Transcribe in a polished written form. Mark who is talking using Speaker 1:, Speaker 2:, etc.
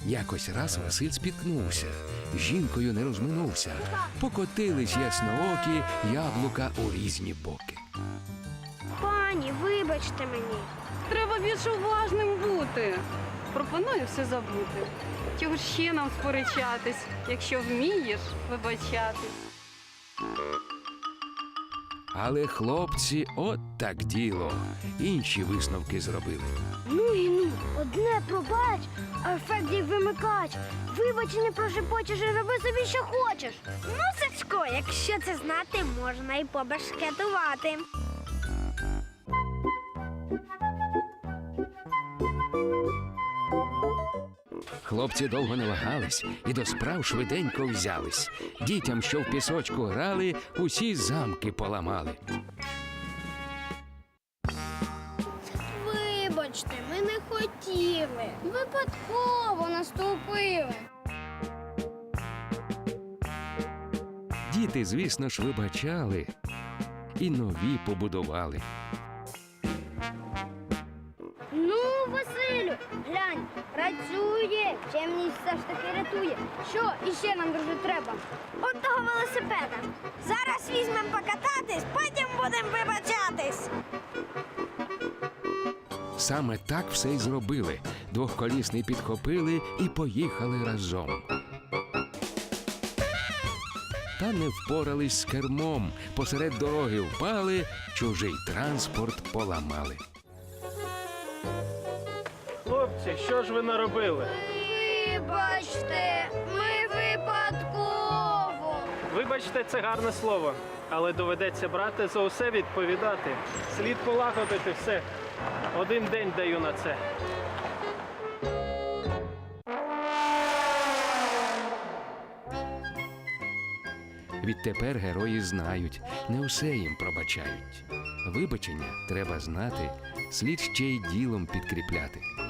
Speaker 1: Якось раз Василь спіткнувся, з жінкою не розминувся. Покотились ясноокі яблука у різні боки.
Speaker 2: Пані, вибачте мені.
Speaker 3: Треба більш уважним бути. Пропоную все забути. Чого ж ще нам сперечатись, якщо вмієш вибачатись?
Speaker 1: Але хлопці от так діло. Інші висновки зробили.
Speaker 2: Ну і ну, одне пробач, а ефект як вимикач. Вибач, не прошепочеш і роби собі, що хочеш. Ну, Сачко, якщо це знати, можна і побашкетувати.
Speaker 1: Хлопці довго не вагались і до справ швиденько взялись. Дітям, що в пісочку грали, усі замки поламали.
Speaker 2: Вибачте, ми не хотіли. Випадково наступили.
Speaker 1: Діти, звісно ж, вибачали і нові побудували.
Speaker 2: Ну, Василю, глянь, працює, чемність все ж таки рятує. Що іще нам, друже, треба? От того велосипеда. Зараз візьмемо покататись, потім будемо вибачатись.
Speaker 1: Саме так все й зробили. Двохколісний підхопили і поїхали разом. Та не впорались з кермом, посеред дороги впали, чужий транспорт поламали.
Speaker 4: Хлопці, що ж ви наробили?
Speaker 2: Вибачте, ми випадково.
Speaker 4: Вибачте, це гарне слово, але доведеться брати за усе відповідати. Слід полагодити все. Один день даю на це.
Speaker 1: Відтепер герої знають, не усе їм пробачають. Вибачення треба знати, слід ще й ділом підкріпляти.